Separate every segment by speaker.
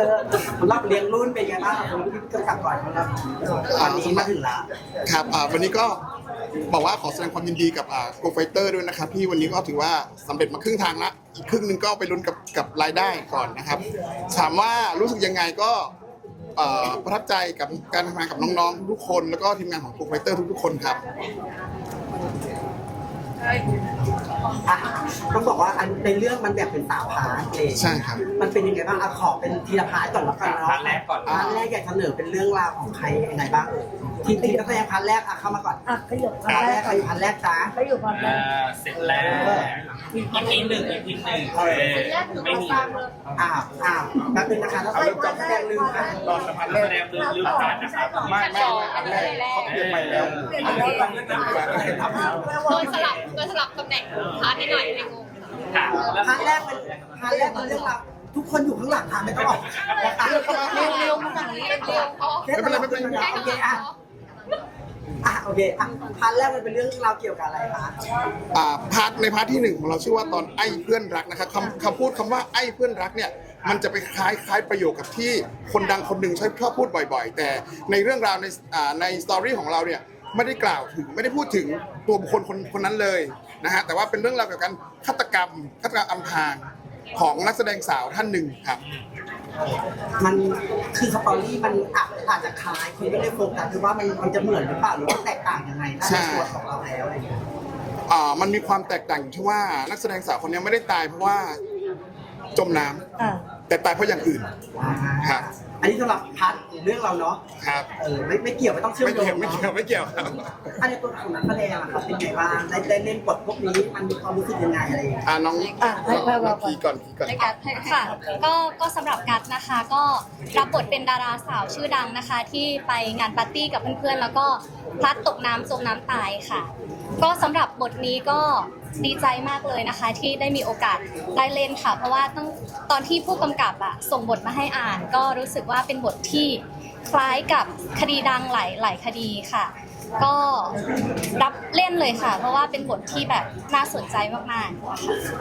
Speaker 1: รับเลี้ยงรุ่นเป็นไงบ้างครับคุณกำกับก่อนครับตอนนี้มาถึงแล้ว
Speaker 2: ครับวันนี้ก็บอกว่าขอแสดงความยินดีกับโกไฟเตอร์ด้วยนะครับที่วันนี้ก็ถือว่าสำเร็จมาครึ่งทางละอีกครึ่งหนึงก็ไปลุ้นกับรายได้ก่อนนะครับถามว่ารู้สึกยังไงก็ประทับใจกับการทำงานกับน้องๆทุกคนแล้วก็ทีมงานของโกไฟเตอร์ทุกๆคนครับ
Speaker 1: ต้องบอกว่าในเรื่องมันแบบเป็นสาวพาร์ทเอง
Speaker 2: ใช่ครับ
Speaker 1: มันเป็นยังไงบ้างขอเป็นทีละพาร์ทก่อนแล้วกันเนาะ
Speaker 3: พาร์ทแรกก่อน
Speaker 1: พาร์ทแรกอยากเสนอเป็นเรื่องราวของใครยังไงบ้างทีมนักแสดงพาร์ทแรกเข้ามาก่อน
Speaker 4: ขยับ
Speaker 1: พาร์ทแรกใครอยู่พาร์ทแรกจ้า
Speaker 4: ขยับพาร์ทแรก
Speaker 3: เสร็จแล้วEP 1ไม่มี
Speaker 1: แป๊บนึงนะคะแล้วนักแสดงลืมค่ะ
Speaker 3: รอสัมภาษณ์นักแสดงลืมผ่านนะครับ
Speaker 2: ไม่อันแรกเขาเปลี่ยนใหม่แล้ว
Speaker 5: โดนสลับตำแหน่งพาร์ทให้หน่อยในงง
Speaker 1: พาร์ทแรกเป็นเรื่องราวทุกคนอยู่ข้างหลังค่ะไม่ต้องออก
Speaker 5: เร็วมาฝั่งนี้เร็ว
Speaker 2: ไม่เป็นไร
Speaker 1: โอเคโอเคพาร์ทแรกมันเป็นเรื่องราวเกี่ยวกับอะไรคะ
Speaker 2: ในพาร์ทที่1ของเราชื่อว่าตอนไอ้เพื่อนรักนะครับคำพูดคำว่าไอ้เพื่อนรักเนี่ยมันจะไปคล้ายประโยคกับที่คนดังคนหนึ่งชอบพูดบ่อยๆแต่ในเรื่องราวในสตอรี่ของเราเนี่ยไม่ได้กล่าวถึงไม่ได้พูดถึงตัวบุคคลคนนั้นเลยนะฮะแต่ว่าเป็นเรื่องราวเกี่ยวกับฆาตกรรมอำพรางของนักแสดงสาวท่านหนึ่งครับ
Speaker 1: มันคือสตอรี่มันอาจจะคล้ายคุณไม่ได้โฟกัสคือว่ามันจะเหมือนหรือเปล่าหรือว่าแตกต่างยังไงถ้าในตัวของเราแล้วอะไรอย่างเงี้ย
Speaker 2: มันมีความแตกต่างอยู่ที่ว่านักแสดงสาวคนนี้ไม่ได้ตายเพราะว่าจมน้ำแต่ตายเพราะอย่างอื่นครับ
Speaker 1: อันนี้สำหรับพาร์ทเรื่องเราเนาะ
Speaker 2: ครับ
Speaker 1: ไม่เกี่ยวไม่ต้องเชื่อมโยง
Speaker 2: ไม่เกี่ยวครับ
Speaker 1: อันนี้ตัวของนักแสดงอะครับเป็นไงบ้างได้เล่นบทพวกนี้มันมีความรู้สึกยังไงอะไรอย่างเงี้ย
Speaker 2: น้องพีก่อน
Speaker 5: ค่ะก็สำหรับกัตนะคะก็รับบทเป็นดาราสาวชื่อดังนะคะที่ไปงานปาร์ตี้กับเพื่อนๆแล้วก็พลัดตกน้ำจมน้ำตายค่ะก็สำหรับบทนี้ก็ดีใจมากเลยนะคะที่ได้มีโอกาสได้เล่นค่ะเพราะว่าตอนที่ผู้กำกับส่งบทมาให้อ่านก็รู้สึกว่าเป็นบทที่คล้ายกับคดีดังหลายคดีค่ะก็รับเล่นเลยค่ะเพราะว่าเป็นบทที่แบบน่าสนใจมากๆ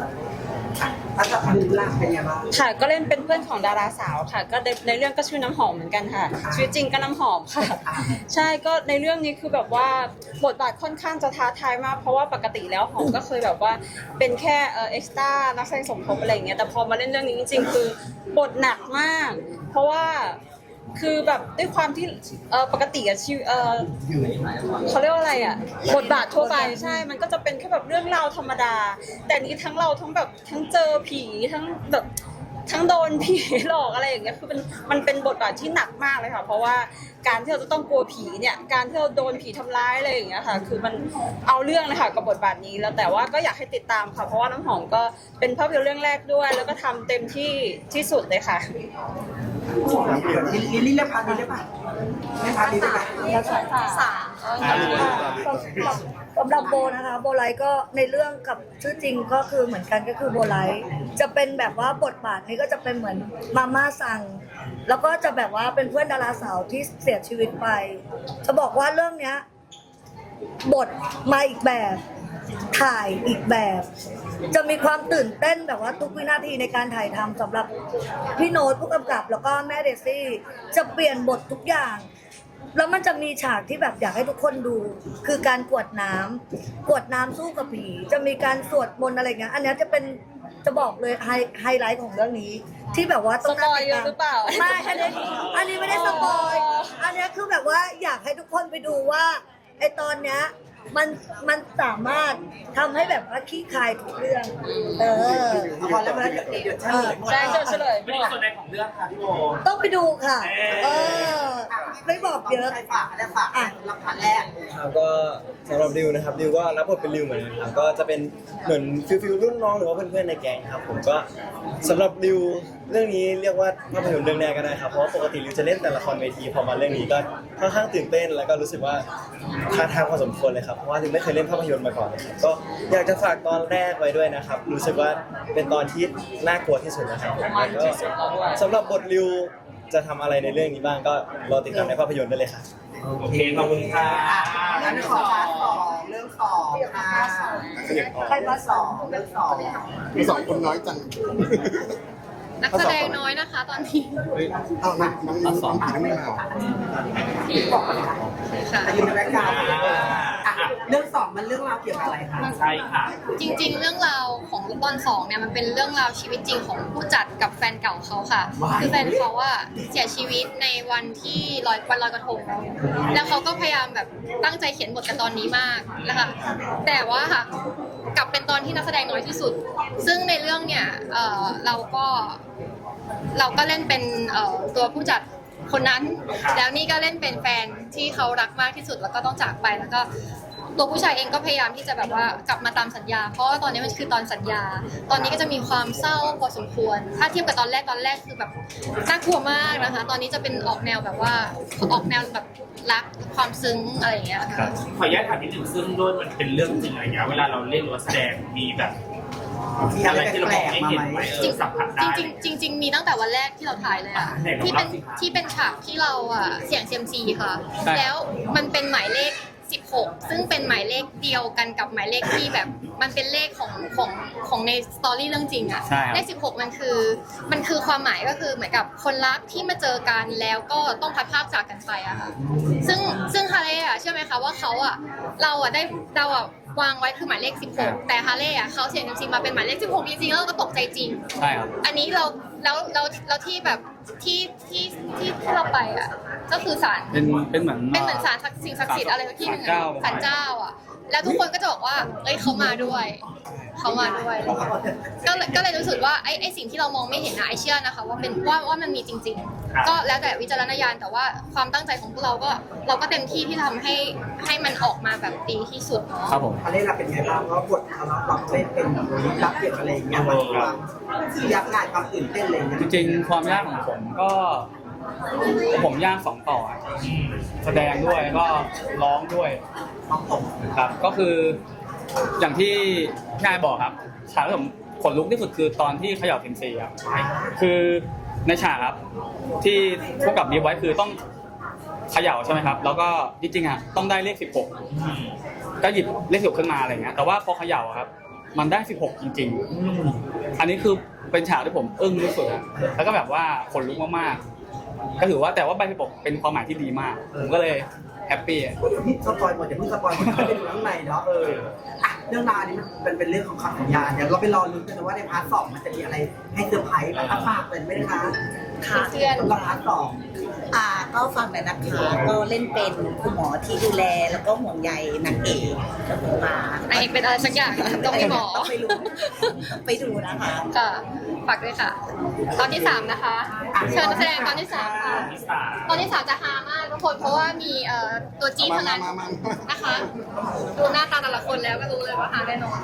Speaker 4: ค่ะก็เล่นเป็นเพื่อนของดาราสาวค่ะก็ในเรื่องก็ชื่อน้ำหอมเหมือนกันค่ะชีวิตจริงก็น้ำหอมค่ะใช่ก็ในเรื่องนี้คือแบบว่าบทบาทค่อนข้างจะท้าทายมากเพราะว่าปกติแล้วหอมก็เคยแบบว่าเป็นแค่เอ็กซ์ตร้านักแสดงสมทบอะไรอย่างเงี้ยแต่พอมาเล่นเรื่องนี้จริงๆคือบทหนักมากเพราะว่าคือแบบด้วยความที่ปกติชีวิตเขาเรียกว่าอะไรบทบาททั่วไปใช่มันก็จะเป็นแค่แบบเรื่องราวธรรมดาแต่นี้ทั้งเราทั้งแบบทั้งเจอผีทั้งแบบทั้งโดนผีหลอกอะไรอย่างเงี้ยคือมันเป็นบทบาทที่หนักมากเลยค่ะเพราะว่าการที่เราจะต้องกลัวผีเนี่ยการที่เราโดนผีทำร้ายอะไรอย่างเงี้ยค่ะคือมันเอาเรื่องเลยค่ะกับบทบาทนี้แล้วแต่ว่าก็อยากให้ติดตามค่ะเพราะว่าน้ำหอมก็เป็นภาพยนตร์เรื่องแรกด้วยแล้วก็ทำเต็มที่สุดเลยค่ะ
Speaker 1: ลิลลี่เล่นพาร์ทนี้ได้ป่ะเล่นพาร์ทนี้ได้ป่ะ
Speaker 4: สำหรับโบนะคะโบไลก็ในเรื่องกับชื่อจริงก็คือเหมือนกันก็คือโบไลจะเป็นแบบว่าบทบาทนี้ก็จะเป็นเหมือนมาม่าสั่งแล้วก็จะแบบว่าเป็นเพื่อนดาราสาวที่เสียชีวิตไปจะบอกว่าเรื่องเนี้ยบทมาอีกแบบถ่ายอีกแบบจะมีความตื่นเต้นแบบว่าทุกวินาทีในการถ่ายทำสำหรับพี่โน้ตผู้กำกับแล้วก็แม่เดซี่จะเปลี่ยนบททุกอย่างแล้วมันจะมีฉากที่แบบอยากให้ทุกคนดูคือการกวดน้ำสู้กับผีจะมีการสวดมนต์อะไรเงี้ยอันนี้จะเป็นจะบอกเลยไฮไลท์ของเรื่องนี้ที่แบบว่าต้อง
Speaker 5: สปอยเยอะหรือเปล่า
Speaker 4: ไม่อันนี้ไม่ได้สปอยอันนี้คือแบบว่าอยากให้ทุกคนไปดูว่าไอตอนเนี้ยมันสามารถทำให้แบบว่าขี้คายทุกเรื่อง
Speaker 1: พอแล้วมันเดี๋ยวเฉลย
Speaker 4: ใช่เฉลย
Speaker 3: ไม่มีส่วนใดของเรื่องค่ะพี่โบ
Speaker 4: ต้องไปดูค่ะไม่บอกเยอะ
Speaker 1: ใครฝากรับพาร์ทแรก
Speaker 6: ก็สำหรับดิวนะครับดิวก็รับบทเป็นดิวเหมือนกันครับก็จะเป็นเหมือนฟิลรุ่นน้องหรือว่าเพื่อนๆในแก๊งครับผมก็สำหรับดิวเรื่องนี้เรียกว่าภาพยนตร์เรื่องแรกก็ได้ครับเพราะปกติดิวจะเล่นแต่ละครเวทีพอมาเรื่องนี้ก็ค่อนข้างตื่นเต้นแล้วก็รู้สึกว่าท้าทายพอสมควรเลยครับเพราะว่าดิวไม่เคยเล่นภาพยนตร์มาก่อนเลยครับก็อยากจะฝากตอนแรกไว้ด้วยนะครับรู้สึกว่าเป็นตอนที่น่ากลัวที่สุดนะครับแล้วก็สำหรับบทดิวจะทำอะไรในเรื่องนี้บ้างก็รอติดตามในภาพยนตร์ได้เลยครับ
Speaker 3: โอเคขอบคุณค่ะ
Speaker 1: งั้นขอพาร์ท2เรื่อง2ค่ะ
Speaker 4: ใครมา2
Speaker 1: เรื่อง2
Speaker 2: มี2คนน้อยจัง
Speaker 7: นักแสดงน้อยนะคะตอนนี้
Speaker 2: เอาน้องผีน้องไม่มาเหรอ
Speaker 7: ค่ะ
Speaker 1: แต่อยู่ในแบ็คกราวด์อ่ะเรื่องสองมันเรื่องราวเกี่ยวกับอะไรคะ
Speaker 3: ใช่ค่ะ
Speaker 7: จริงๆ เรื่องราวของตอน2เนี่ยมันเป็นเรื่องราวชีวิตจริงของผู้จัดกับแฟนเก่าเขาค่ะ คือแฟนเขาว่าเสียชีวิตในวันที่วันลอยกระทงแล้วเขาก็พยายามแบบตั้งใจเขียนบทกันตอนนี้มากนะคะแต่ว่าค่ะกลับเป็นตอนที่นักแสดงน้อยที่สุด ซึ่งในเรื่องเนี่ยเราก็เล่นเป็นตัวผู้จัดคนนั้น แล้วนี่ก็เล่นเป็นแฟนที่เขารักมากที่สุดแล้วก็ต้องจากไปแล้วก็ตัวผู้ชายเองก็พยายามที่จะแบบว่ากลับมาตามสัญญา เพราะว่าตอนนี้มันคือตอนสัญญา ตอนนี้ก็จะมีความเศร้าพอสมควร ถ้าเทียบกับตอนแรกคือแบบน่ากลัวมากนะคะ ตอนนี้จะเป็นออกแนวแบบว่าออกแนวแบบรักความซึ้งอะไรอย่างเงี้ยค่ะ
Speaker 3: ขออนุญาตถามนิดหนึ่งซึ่งด้วยมันเป็นเรื่องจริงอะไรเงี้ยเวลาเราเล่นหรือว่าแสดงมีแบบ
Speaker 1: มีอะไร
Speaker 3: ที่เรา
Speaker 1: แป
Speaker 3: ม
Speaker 1: ล
Speaker 3: อง
Speaker 1: ก
Speaker 3: ไม่
Speaker 1: ๆมา
Speaker 3: เห็น
Speaker 1: ไห
Speaker 3: ไห
Speaker 1: ม
Speaker 3: มสัมผัสได้
Speaker 7: จริงๆมีตั้งแต่วันแรกที่เราถ่ายเลยอะ
Speaker 3: ไหนลอง
Speaker 7: ที่เป็น
Speaker 3: เล่าสิคะ
Speaker 7: ที่เป็นฉากที่เราอะเสี่ยงเซียมซีค่ะ แล้วมันเป็นหมายเลข 16 ซึ่งเป็นหมายเลขเดียวกันกับหมายเลขที่แบบมันเป็นเลขของในสตอรี่เรื่องจริงอะเลข 16 มันคือความหมายก็คือเหมือนกับคนรักที่มาเจอกันแล้วก็ต้องพัดภาคจากกันไปอะค่ะซึ่งฮาเล่อะเชื่อไหมคะว่าเขาอะเราอะวางไว้คือหมายเลข 16 แต่ฮาเล่อะเขาเสี่ยงจริงๆมาเป็นหมายเลข 16 จริงๆแล้วเราก็ตกใจจริง
Speaker 8: ใช่ครับ
Speaker 7: อันนี้เราที่แบบที่เราไปอ่ะก็คือศาล
Speaker 8: เป็นเหมือน
Speaker 7: เป็นเหมือนศาลสิ่งศักดิ์สิทธิ์อะไรสักที่หนึ่ง
Speaker 8: ศาลเจ้า
Speaker 7: ศาลเจ้าอ่ะ แล้วทุกคนก็จะบอกว่าเอ้ยเขามาด้วยก็เลยรู้สึกว่าไอ้สิ่งที่เรามองไม่เห็นนะไอเชื่อนะคะว่ามันมีจริง ๆ ก็แล้วแต่วิจารณญาณแต่ว่าความตั้งใจของพวกเราก็เต็มที่ที่ทำให้มันออกมาแบบดีที่สุดเนาะ
Speaker 8: ครับผม
Speaker 1: อะไรเราเป็นไงบ้างเพราะบทเราเล่นเป็นรับเกี่ยวกับอะไรอย่างเงี้ยมันความยากง่ายความตื่นเต้นอะไรอย่างเงี้ย
Speaker 8: จริงๆความยากของผมก็ผมยากสองต่อแสดงด้วยก็ร้องด้วยครับ ก็คืออย่างที่นายบอกครับฉากที่ผมขนลุกที่สุดคือตอนที่เขย่าเซมซีครับคือในฉากครับที่พวกกับบีบไว้คือต้องเขย่าใช่ไหมครับ แล้วก็จริงๆอ่ะต้องได้เลข 16 ก็หยิบเลข 16ขึ้นมาอะไรเงี้ยแต่ว่าพอเขย่าครับมันได้ 16 จริงๆอันนี้คือเป็นฉากที่ผมอึ้งที่สุดอะแล้วก็แบบว่าขนลุกมากๆก็ถือว่าแต่ว่าใบ16เป็นความหมายที่ดีมากผมก็เลยแฮปปี้
Speaker 1: พี่สปอยหมดอย่าเพิ่งสปอยหมดไปดูข้างในเนาะอ่ะเรื่องราวนี้มันเป็นเรื่องของคำสัญญาเดี๋ยวเราไปรอลุ้นกันนะว่าในพาร์ท 2มันจะมีอะไรให้เซอร์ไพรส์แบบฝากเลยไหมคะ
Speaker 9: ค่ะ
Speaker 7: เพื่อน
Speaker 1: สำหรับพาร์ท
Speaker 9: ก็ฟังหน่อยนะคะก็เล่นเป็นคุณหมอที่ดูแลแล้วก็ห่วงใยนางเอกกับคุณมาน
Speaker 7: างเอกเป็นอะไรสักอย่างต้องมีหมอ
Speaker 9: ต้องไปดูนะคะ
Speaker 7: ค่ะฝากด้วยค่ะ ตอนที่ 3 นะคะ เชิญนักแสดงตอนที่ 3 ค่ะ ตอนที่ 3 จะฮามากทุกคนเพราะว่ามีตัวจี๊ดทั้งนั้นนะคะ ดูหน้าตาแต่ละคนแล้วก็รู้เลยว่าฮาแน่นอน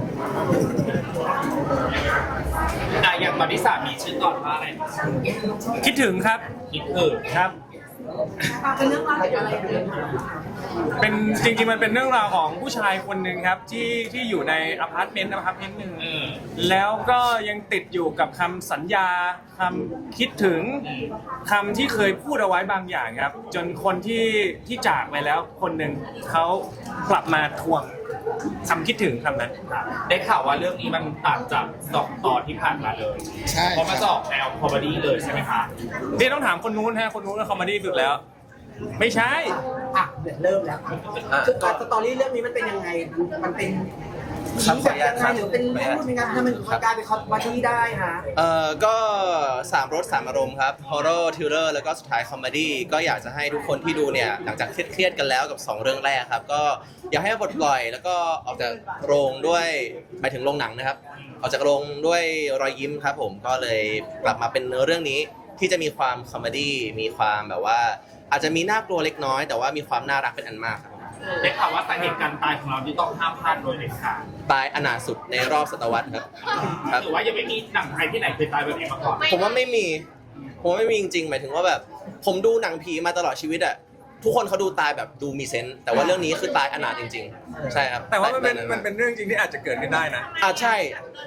Speaker 3: อย่างตอนที่3มีชื่อตอนว่าอะไร
Speaker 10: คิดถึงครับ
Speaker 3: คิดถึง
Speaker 10: ครับ
Speaker 1: 2เป็นเรื่องราวเกี่ยวกับอะไรกัน
Speaker 10: เป็นจริงๆมันเป็นเรื่องราวของผู้ชายคนหนึ่งครับที่อยู่ในอพาร์ตเมนต์หนึ่งแล้วก็ยังติดอยู่กับคำสัญญาคำคิดถึงคำที่เคยพูดเอาไว้บางอย่างครับ จนคนที่จากไปแล้วคนหนึ่งเขากลับมาทวงคำคิดถึงคำนั้น
Speaker 3: ได้ข่าวว่าเรื่องนี้มันต่างจาก2 ตอนที่ผ่านมาเลย
Speaker 2: ใช่
Speaker 3: เพราะมันจะออกแนวคอมเมดี้เลยใช่ไหมคะ
Speaker 10: นี่ต้องถามคนนู้นฮะคนนู้นก็คอมเมดี้สุดแล้ว ไม่ใช่
Speaker 1: อ่ะเดี๋ยวเริ่มแล้วคือสตอรี่เรื่องนี้มันเป็นยังไงมันเป็นแบบยังไงหรือเป็นพูดยังไงถ้ามันกลายเป็นคอมเมดี้ได้ฮะ
Speaker 11: ก็3 รส 3 อารมณ์ครับฮอร์เรอร์ทิลเลอร์แล้วก็สุดท้ายคอมเมดี้ก็อยากจะให้ทุกคนที่ดูเนี่ยหลังจากเครียดๆกันแล้วกับ2 เรื่องแรกครับก็อยากให้ปลดปล่อยแล้วก็ออกจากโรงด้วยหมายถึงโรงหนังนะครับออกจากโรงด้วยรอยยิ้มครับผมก็เลยกลับมาเป็นเรื่องนี้ที่จะมีความคอมเมดี้มีความแบบว่าอาจจะมีน่ากลัวเล็กน้อยแต่ว่ามีความน่ารักเป็นอันมากครับ
Speaker 3: ได้ข่าวว่าสาเหตุการตายของเราที่ต้องห้ามพลาดโดยเด็ดขาด
Speaker 11: ตายอนาถสุดในรอบศตวรรษครับครับ
Speaker 3: หรือว่ายังไม่มีหนังไทยที่ไหนเคยตายแบบนี้มาก่อน
Speaker 11: ผมว่าไม่มีจริงๆหมายถึงว่าแบบผมดูหนังผีมาตลอดชีวิตอะทุกคนเขาดูตายแบบดูมีเซนส์แต่ว่าเรื่องนี้คือตายอนาถจริงๆใช่ครับ
Speaker 10: แต่ว่ามันเป็นเรื่องจริงที่อาจจะเกิดขึ้นได้นะ
Speaker 11: ใช่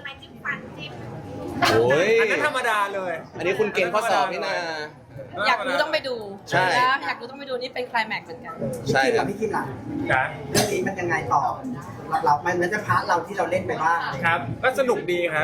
Speaker 11: โอ้ย
Speaker 10: อันนั้นธรรมดาเลย
Speaker 11: อันนี้คุณเก่งข้อสอบนี่นะ
Speaker 9: อยากรู้ต้องไปดู
Speaker 11: ใช่
Speaker 9: นะอยากรู้ต้องไปดูนี่เป็นไคลแม็กซ์เหมือนกัน
Speaker 11: ใช่
Speaker 1: พี่
Speaker 11: ครับ
Speaker 1: พี่คิดล่ะ
Speaker 10: นะ
Speaker 1: เรื่องนี้มันยังไงต่อมันจะพาร์ทเราที่เราเล่นไปบ้าง
Speaker 10: ครับ ก็สนุกดีครับ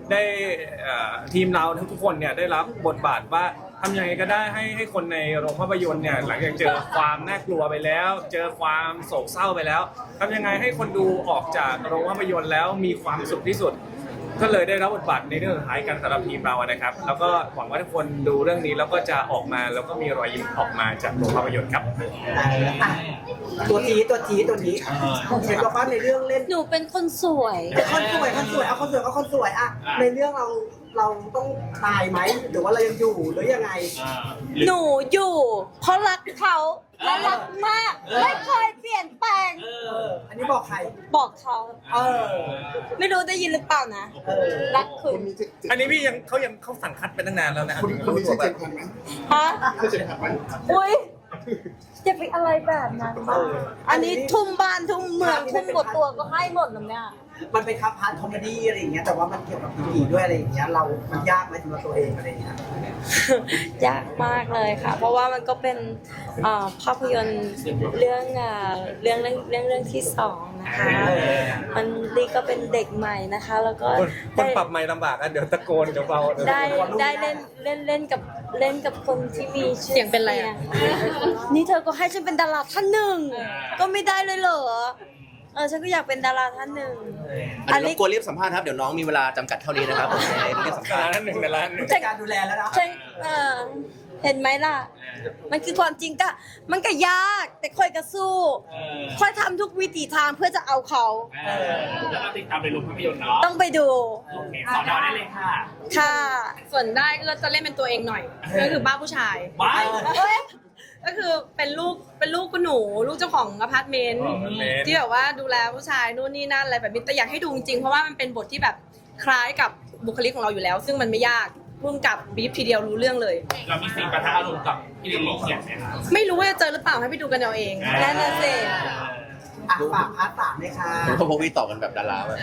Speaker 10: ได้ทีมเราทุกคนเนี่ยได้รับบทบาทว่าทำยังไงก็ได้ให้คนในโรงภาพยนตร์เนี่ยหลังจากเจอความน่ากลัวไปแล้ว เจอความโศกเศร้าไปแล้วทำยังไงให้คนดูออกจากโรงภาพยนตร์แล้วมีความสุขที่สุด ก็เลยได้รับบทบาทในเรื่องสุดท้ายกันสำหรับทีมเรานะครับแล้วก็หวังว่าทุกคนดูเรื่องนี้แล้วก็จะออกมาแล้วก็มีรอยยิ้มออกมาจากโรงภาพยนตร์ครับ
Speaker 1: อ่ะตัวนี้เห็นบอกว่าในเรื่องเล่น
Speaker 4: หนูเป็นคนสวย
Speaker 1: คนสวยเอาคนสวยอ่ะในเรื่องเราต้องตายไหมหรือว่าเรายังอยู่หรือยังไง
Speaker 4: หนูอยู่ เพราะรักเขาและรักมาก ไม่เคยเปลี่ยนแปลง
Speaker 1: อันนี้บอกใคร
Speaker 4: บอกเขา ไม่รู้ได้ยินหรือเปล่านะ รักคุณ
Speaker 10: อันนี้พี่เขาสั่งคัดไปตั้งนานแล้วนะ
Speaker 2: คุณมีชื่อเจนพันไหม
Speaker 4: ฮะ
Speaker 2: ชื่อเจนพันไหม
Speaker 4: อุ้ยจะไปอะไรแบบนั้นบ้างอันนี้ทุ่มบ้านทุ่มเมืองทุ่มหมดตัวก็ให้หมดแล้วเนี่ย
Speaker 1: มันเป็นครับพาร์ทคอมเมดี้อะไรอย่างเงี้ยแต่ว่ามันเกี่ยวกับผีด้วยอะไรอย่างเงี้ยมันยากไหมสำหรับตัวเองอะไรอย่างเงี้ย
Speaker 4: ยากมากเลยค่ะ เพราะว่ามันก็เป็นภาพยนตร์เรื่องที่สองนะคะ มันนี่ก็เป็นเด็กใหม่นะคะ แล้วก็
Speaker 10: คนปรับไม่ลำบากอ่ะเดี๋ยวตะโกนเดี๋ยวเบา
Speaker 4: ได้เล่นกับคนที่มีชื่อ
Speaker 7: เสียงเป็นอะไรอะ
Speaker 4: นี่เธอก็ให้ฉันเป็นดาราท่านหนึ่งก็ไม่ได้เลยเหรอฉันก็อยากเป็นดาราท่านหนึ่ง
Speaker 11: อันนี้รบกวนรีบสัมภาษณ์ครับเดี๋ยวน้องมีเวลาจำกัดเท่านี้นะครับรีบสัมภาษณ์
Speaker 10: ร้านหนึ่งในร้านหนึ่ง
Speaker 1: จัดการดูแลแล้วนะ
Speaker 4: ฉันเห็นไหมล่ะ มันคือความจริงก็มันก็ยากแต่ค่อยก็สู้ค่อยทำทุกวิถีทางเพื่อจะเอาเขา
Speaker 3: แล้วก็ติดตามในโรงภาพยนตร์เนาะ
Speaker 4: ต้องไปดู
Speaker 3: โอเคสอนเราได้เลยค่ะ
Speaker 4: ค่ะ
Speaker 7: ส่วนได้ก็จะเล่นเป็นตัวเองหน่อยก็คือบ้าผู้ชาย
Speaker 3: ว้าย
Speaker 7: ก็คือเป็นลูกคุณหนูลูกเจ้าของอพาร์ตเมนต์ที่แบบว่าดูแลผู้ชายนู่นนี่นั่นอะไรแบบนี้แต่อยากให้ดูจริงๆเพราะว่ามันเป็นบทที่แบบคล้ายกับบุคลิกของเราอยู่แล้ว ซึ่งมันไม่ยากพุ่มกับบีฟทีเดียวรู้เรื่องเลย
Speaker 3: เรามีซีนปะทะอารมณ์กับพี่ลิลลี่เขียนไหมคะ
Speaker 7: ไม่รู้ว่าจะเจอหรือเปล่าให้ไปดูกันเอาเอง
Speaker 4: นั่นน่ะสิ
Speaker 1: ฝากพาร์ท 3เลยค่ะ
Speaker 11: เพราะพวกพี่ตอบกันแบบดาราแบบ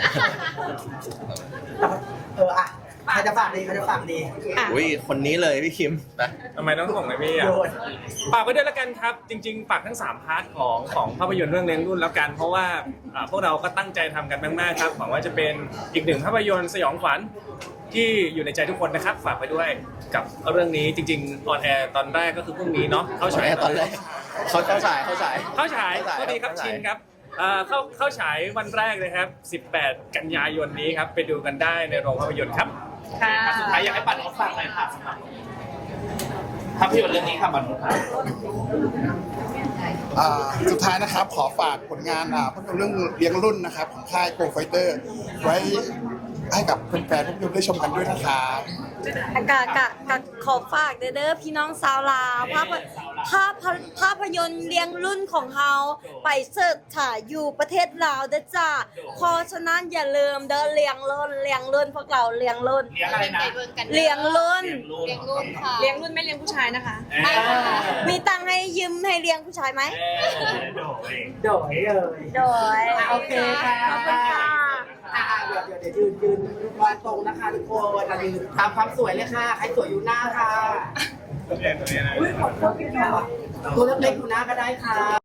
Speaker 1: ใครจะฝากดี
Speaker 7: อ่ะ
Speaker 11: อุ้ยคนนี้เลยพี่คิมไป
Speaker 10: ทำไมต้องส่งเลยพี่อ่ะฝากไว้ด้วยแล้วกันครับ จริงๆฝากทั้ง3พาร์ทของภาพยนตร์เรื่องเลี้ยงรุ่นแล้วกัน เพราะว่าพวกเราก็ตั้งใจทำกันมากๆครับหวังว่าจะเป็นอีกหนึ่งภาพยนตร์สยองขวัญที่อยู่ในใจทุกคนนะครับฝากไปด้วยกับเรื่องนี้จริงๆออนแอร์ตอนแรกก็คือพรุ่งนี้เนาะเข้าฉาย
Speaker 11: ตอนแรกเขาฉาย
Speaker 10: สวัสดีครับชินครับเข้าฉายวันแรกเลยครับ 18 กันยายนนี้ครับไปดูกันได้ในโรงภาพยนตร์ครับ
Speaker 7: ค่ะ
Speaker 3: สุดท้ายอยากให้ปัดออฟฝากหน่อยค่ะสำหรับภาพยนตร์เรื่องนี้ค่ะปัดออฟค่ะ
Speaker 2: สุดท้ายนะครับขอฝากผลงานภาพยนตร์เรื่องเลี้ยงรุ่นนะครับของค่ายโกลไฟเตอร์ไว้ให้กับแฟนๆภาพยนตร์ได้ชมกันด้วยนะครับ
Speaker 4: กะขอฝากเด้อพี่น้องสาวลาวภาพยนตร์เลี้ยงรุ่นของเฮาไปเสิร์ชถ่ายอยู่ประเทศลาวเด้อจ้าเพราะฉะนั้นอย่าลืมเด้อเลี้ยงรุ่นพวกเราเลี้ยงรุ่น
Speaker 3: เลี้ยงอะไรนะ
Speaker 4: เลี้ยงรุ่น
Speaker 7: เลี้ยงรุ่นค่ะเลี้ยงรุ่นไม่เลี้ยงผู้ชายนะคะ
Speaker 4: มีตังค์ให้ยืมให้เลี้ยงผู้ชายไหม
Speaker 3: โดยเลย
Speaker 4: โดย
Speaker 1: โอเคค่ะ
Speaker 4: ขอบคุณค่ะ
Speaker 1: เดี๋ยวยืนวางตรงนะคะทุกคนยืนตามความสวยเลยค่ะใครสวยอยู่หน้าค่ะตัวเล็กๆอยู่หน้าก็ได้ค่ะ